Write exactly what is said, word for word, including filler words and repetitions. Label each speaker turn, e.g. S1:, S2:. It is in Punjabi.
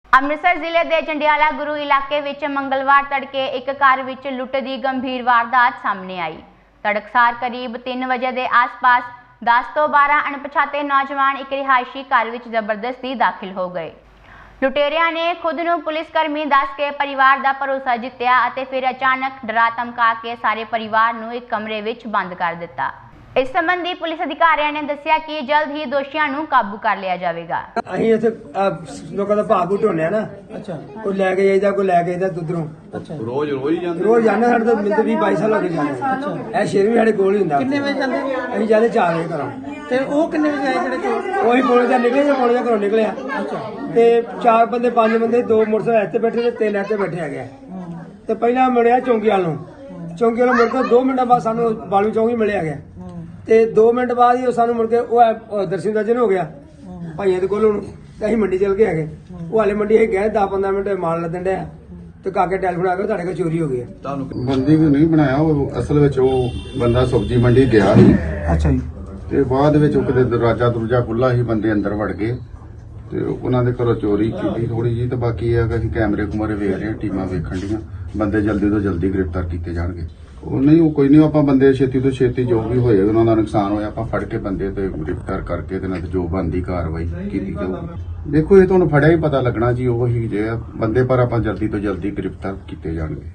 S1: ਅੰਮ੍ਰਿਤਸਰ ਜ਼ਿਲ੍ਹੇ ਦੇ ਜੰਡਿਆਲਾ ਗੁਰੂ ਇਲਾਕੇ ਵਿੱਚ ਮੰਗਲਵਾਰ ਤੜਕੇ ਇੱਕ ਘਰ ਵਿੱਚ ਲੁੱਟ ਦੀ ਗੰਭੀਰ ਵਾਰਦਾਤ ਸਾਹਮਣੇ ਆਈ। ਤੜਕਸਾਰ ਕਰੀਬ ਤਿੰਨ ਵਜੇ ਦੇ ਆਸ-ਪਾਸ ਦਸ ਤੋਂ ਬਾਰਾਂ ਅਣਪਛਾਤੇ ਨੌਜਵਾਨ ਇੱਕ ਰਿਹਾਇਸ਼ੀ ਘਰ ਵਿੱਚ ਜ਼ਬਰਦਸਤੀ ਦਾਖਲ ਹੋ ਗਏ। ਲੁਟੇਰਿਆਂ ਨੇ ਖੁਦ ਨੂੰ ਪੁਲਿਸ ਕਰਮੀ ਦੱਸ ਕੇ ਪਰਿਵਾਰ ਦਾ ਭਰੋਸਾ ਜਿੱਤਿਆ ਅਤੇ ਫਿਰ ਅਚਾਨਕ ਡਰਾ ਧਮਕਾ ਕੇ ਸਾਰੇ ਪਰਿਵਾਰ ਨੂੰ ਇੱਕ ਕਮਰੇ ਵਿੱਚ ਬੰਦ ਕਰ ਦਿੱਤਾ। इस संबंधी पुलिस अधिकारियों ने दस्सिया कि जल्द ही दोषियों नूं काबू कर लिया जाएगा।
S2: ਅਸੀਂ ਇੱਥੇ ਲੋਕਾਂ ਦਾ ਭਾਗ ਉਠਾਉਂਦੇ ਆ ਨਾ।
S3: ਅੱਛਾ
S2: ਕੋਈ ਲੈ ਕੇ ਜਾਈਦਾ ਕੋਈ ਲੈ ਕੇ ਜਾਈਦਾ ਦੁੱਧਰੋਂ।
S3: ਅੱਛਾ
S4: ਰੋਜ਼ ਰੋਜ਼ ਹੀ ਜਾਂਦੇ
S2: ਰੋਜ਼ ਜਾਂਦੇ ਸਾਡੇ ਤੋਂ ਮਿਲਦੇ ਵੀਹ ਬਾਈ ਸਾਲ ਹੋ ਗਏ ਜਾਂਦੇ। ਇਹ ਸ਼ੇਰ ਵੀ ਸਾਡੇ ਕੋਲ ਹੀ ਹੁੰਦਾ।
S3: ਕਿੰਨੇ ਵਜੇ ਜਾਂਦੇ
S2: ਅਸੀਂ ਜਾਂਦੇ ਚਾਰ ਵਜੇ ਘਰੋਂ।
S3: ਤੇ ਉਹ ਕਿੰਨੇ ਵਜੇ ਆਏ ਜਿਹੜੇ ਚੋਰ?
S2: ਉਹੀ ਪੌਣੇ ਦਾ ਨਿਕਲੇ ਜਾਂ ਪੌਣੇ ਦਾ ਘਰੋਂ ਨਿਕਲਿਆ।
S3: ਅੱਛਾ
S2: ਤੇ ਚਾਰ ਬੰਦੇ ਪੰਜ ਬੰਦੇ ਦੋ ਮੋਟਰਸਾਈਕਲ ਇੱਥੇ ਬੈਠੇ ਤੇ ਤਿੰਨ ਇੱਥੇ ਬੈਠੇ ਹੈਗੇ। ਤੇ ਪਹਿਲਾਂ ਮਿਲਿਆ ਚੌਂਕੀ ਵਾਲ ਨੂੰ। ਚੌਂਕੀ ਵਾਲੋਂ ਮੁੜ ਕੇ ਦੋ ਮਿੰਟਾਂ ਬਾਅਦ ਸਾਨੂੰ ਬਾਲੂ ਚੌਂਕੀ ਮਿਲਿਆ ਗਿਆ। ਤੇ ਦੋ ਮਿੰਟ ਬਾਅਦ ਹੀ ਉਹ ਸਾਨੂੰ ਮੁੜ ਕੇ ਉਹ ਦਰਸ਼ਨ ਦਰਜਨ ਹੋ ਗਿਆ ਭਾਈਆਂ ਦੇ ਕੋਲ ਹੁਣ। ਤੇ ਅਸੀਂ ਮੰਡੀ ਚਲ ਕੇ ਹੈਗੇ। ਉਹ ਹਾਲੇ ਮੰਡੀ ਅਸੀਂ ਗਏ ਦਸ ਪੰਦਰਾਂ ਮਿੰਟ ਮਾਲ ਲੱਦਣ ਡਿਆ ਤੇ ਕਾਕੇ ਟੈਲੀਫੋਨ ਆ ਗਿਆ ਤੁਹਾਡੇ ਕੋਲ ਚੋਰੀ ਹੋ ਗਈ ਹੈ।
S4: ਤੁਹਾਨੂੰ
S5: ਬੰਦੀ ਵੀ ਨਹੀਂ ਬਣਾਇਆ। ਉਹ ਅਸਲ ਵਿੱਚ ਉਹ ਬੰਦਾ ਸਬਜ਼ੀ ਮੰਡੀ ਗਿਆ ਸੀ
S3: ਅੱਛਾ ਜੀ
S5: ਤੇ ਬਾਅਦ ਵਿੱਚ ਉਹ ਕਿਤੇ ਦਰਵਾਜ਼ਾ ਦਰੂਜਾ ਖੁੱਲਾ ਸੀ, ਬੰਦੇ ਅੰਦਰ ਵੜ ਗਏ ਤੇ ਉਹਨਾਂ ਦੇ ਘਰੋਂ ਚੋਰੀ ਕੀਤੀ ਥੋੜੀ ਜੀ। ਤੇ ਬਾਕੀ ਇਹ ਹੈ ਕਿ ਅਸੀਂ ਕੈਮਰੇ ਕੁਮਰੇ ਵੇਖ ਰਹੇ ਹਾਂ, ਟੀਮਾਂ ਵੇਖਣ ਡੀਆਂ, ਬੰਦੇ ਜਲਦੀ ਤੋਂ ਜਲਦੀ ਗ੍ਰਿਫਤਾਰ ਕੀਤੇ ਜਾਣਗੇ। ਉਹ ਨਹੀਂ ਉਹ ਕੋਈ ਨਹੀਂ, ਆਪਾਂ ਬੰਦੇ ਛੇਤੀ ਤੋਂ ਛੇਤੀ ਜੋ ਵੀ ਹੋਏ ਉਹਨਾਂ ਦਾ ਨੁਕਸਾਨ ਹੋਇਆ ਆਪਾਂ ਫੜ ਕੇ ਬੰਦੇ ਤੇ ਗ੍ਰਿਫਤਾਰ ਕਰਕੇ ਤੇ ਨਾਲ ਜੋ ਬਣਦੀ ਕਾਰਵਾਈ ਕੀਤੀ ਜਾਊਗੀ। ਦੇਖੋ ਇਹ ਤੁਹਾਨੂੰ ਫੜਿਆ ਹੀ ਪਤਾ ਲੱਗਣਾ ਜੀ ਉਹ ਹੀ ਜੇ ਬੰਦੇ, ਪਰ ਆਪਾਂ ਜਲਦੀ ਤੋਂ ਜਲਦੀ ਗ੍ਰਿਫਤਾਰ ਕੀਤੇ ਜਾਣਗੇ।